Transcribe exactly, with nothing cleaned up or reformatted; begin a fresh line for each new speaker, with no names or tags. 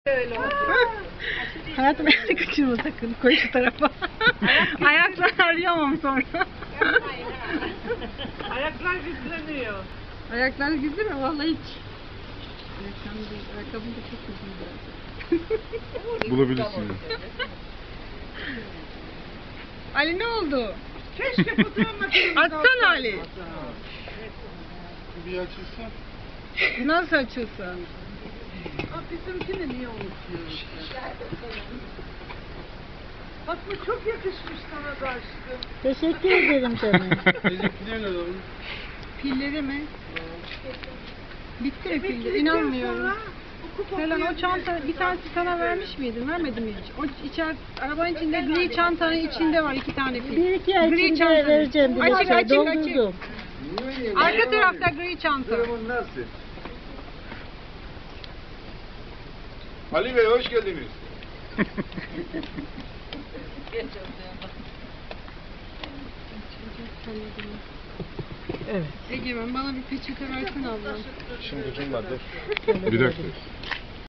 Öyle oldu.
Hayatım elini kaçırma sakın. Koy şu tarafa. Ayaklar arayamam sonra.
Ayaklar güçleniyor.
Ayaklar güzel mi? Vallahi hiç. Ayakkabım da, ayakkabım da çok güzel.
Bulabilirsin.
Ali ne oldu?
Keşke fotoğraf makinesi
Açsana Ali.
Bir açılsa.
Nasıl açılsa?
Aa, bizimkini niye unutuyorsun? Fatma çok yakışmış sana da aşkım.
Teşekkür ederim canım.
Bizimkiler ne olur?
Pilleri mi? Bitti mi pilleri?
Emeklilikten
İnanmıyorum.
sonra hukuk
Selen o çanta
okuyabilirsin
bir tanesi
zaten.
sana vermiş miydin? Vermedim mi hiç? O içer arabanın içinde gri çantanın içinde var iki tane pil.
Bir iki ay
Gri
içinde
çantanın.
vereceğim bir
Açık,
şey.
açık, açık.
Doldurdum.
Arka tarafta gri çanta.
Durumun nasıl? Ali Bey hoş geldiniz.
Evet. Egemen bana bir peçete versene ablam.
Şimdi kim vardır? Bir dakika.